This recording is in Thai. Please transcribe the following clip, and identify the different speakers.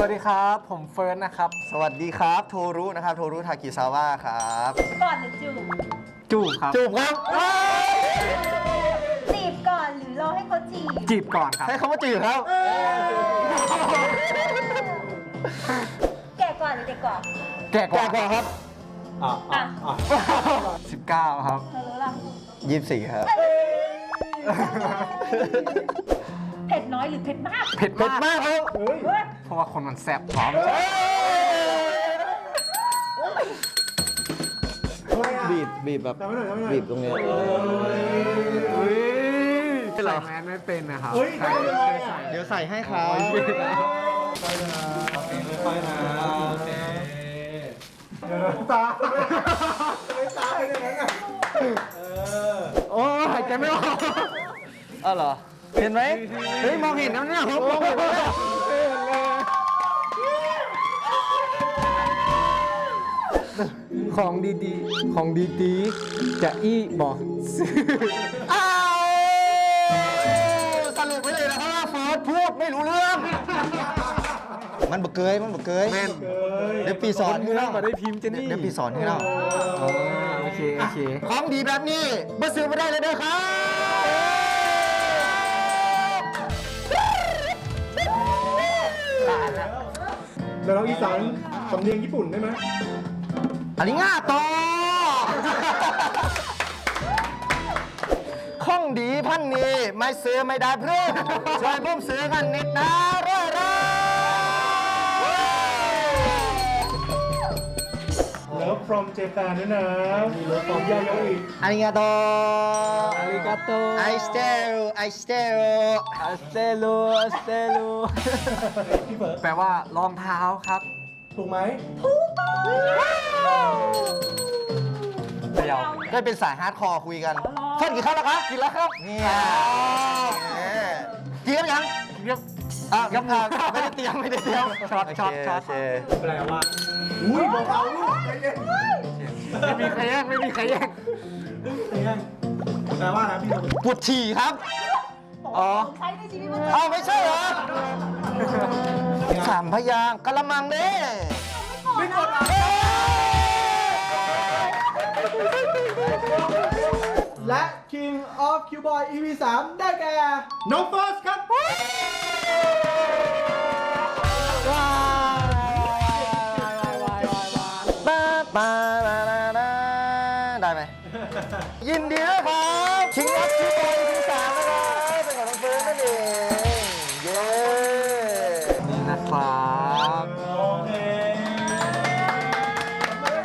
Speaker 1: วัสดีครับผมเฟิร์นนะครับ
Speaker 2: สวัสดีครับโทรุนะครับโทรุทากิซาวะครับ
Speaker 3: ก่อนหรือจูบ
Speaker 1: จูบครับ
Speaker 2: จูบครับ
Speaker 3: จีบก่อนหรือรอให้เขาจีบ
Speaker 1: จีบก่อนครับ
Speaker 2: ให้เขามาจีบครับ
Speaker 3: แก่ก่อนหรือเด็กก่อน
Speaker 1: แก่ก
Speaker 2: แก่
Speaker 1: ว่าก
Speaker 2: ว่าครับ
Speaker 3: อ่ะ
Speaker 1: 19ครับ
Speaker 3: เธอรู้ล่ะ
Speaker 2: 24ครับ
Speaker 3: เผ็ดน้อยหรือเผ็ดมาก
Speaker 1: เผ็ด
Speaker 2: เผ็ด
Speaker 1: มาก
Speaker 2: มากครับ
Speaker 3: เฮ้ย
Speaker 1: เพราะว่าคนมันแซ่บพร้อม
Speaker 2: บีบแบบบีบตรงนี้
Speaker 1: ใส่แมสไม่เป็นนะครับ
Speaker 2: เดี๋ยวใส่ให้ครับ
Speaker 1: โอ้หายใจไม่ออก
Speaker 2: อ้าวเหรอเห็นไหมเฮ้ยมองเห็นนะเนี่ยมองเห็นนะ
Speaker 1: ของดีๆของดีๆจะอี้บอกซื้อ
Speaker 2: อ้าวสรุปไว้เลยนะครับว่าเฟิร์สพูดไม่รู้เรื่อง มันบกเกย
Speaker 1: แม่น
Speaker 2: เดี๋ยวปีสอนให้
Speaker 1: เนื้อ
Speaker 2: เรา
Speaker 1: มาได้พิมพ์เจนนี่
Speaker 2: เดี๋ยวปีสอนให้เรา
Speaker 1: อ๋อโอเคโอเค
Speaker 2: ของดีแบบนี้มาซื้อมาได้เลยเด้อครับ
Speaker 4: แล้วเราอีสานสำเนียงญี่ปุ่นได้ไหม
Speaker 2: อันนี้ง่าโตข้องดีพันนี้ไม่ซื้อไม่ได้เพื่อนช่วยผมซื้อกันนิดนะเร่อ
Speaker 4: เลิฟ from Japan ด้วยนะมีเลิฟ from ยาโยอิ
Speaker 2: อาริกาโต
Speaker 1: อาริกาโต
Speaker 2: I still
Speaker 1: อัสเตลู
Speaker 4: พี่เฟิร์ส
Speaker 1: แปลว่ารองเท้าครับ
Speaker 4: ถูกไหม
Speaker 1: เดียว
Speaker 2: ได้เป็นสายฮาร์ดคอร์คุยกันเฟิร์นกี่ข้าวแล้วครับกินแล้วครับนี่กินแล้วยัง
Speaker 1: เรียก
Speaker 2: ยังไม่ได้เตรียม
Speaker 1: ช็อต
Speaker 4: แปลว่า อุ้ยเบาๆลูกใจเย็น
Speaker 1: ไม่มีใครแย่งไม่มีใครแย่ง
Speaker 4: ใจเย็นแปลว่าอะไรพี่
Speaker 2: ปวดฉี่ครับ
Speaker 1: อ๋อ
Speaker 3: ใช้ในชีวิตประจำวัน
Speaker 2: เอาไม่ใช่เหรอสามพยางค์กะละมังเด้
Speaker 4: ไม่กดอ่ะและ King of Q Boy EP 3ได้แก่น้องเฟิร์สครับ
Speaker 2: ปาได้ไหมยินดีด้วยครับคิงออฟคิวบ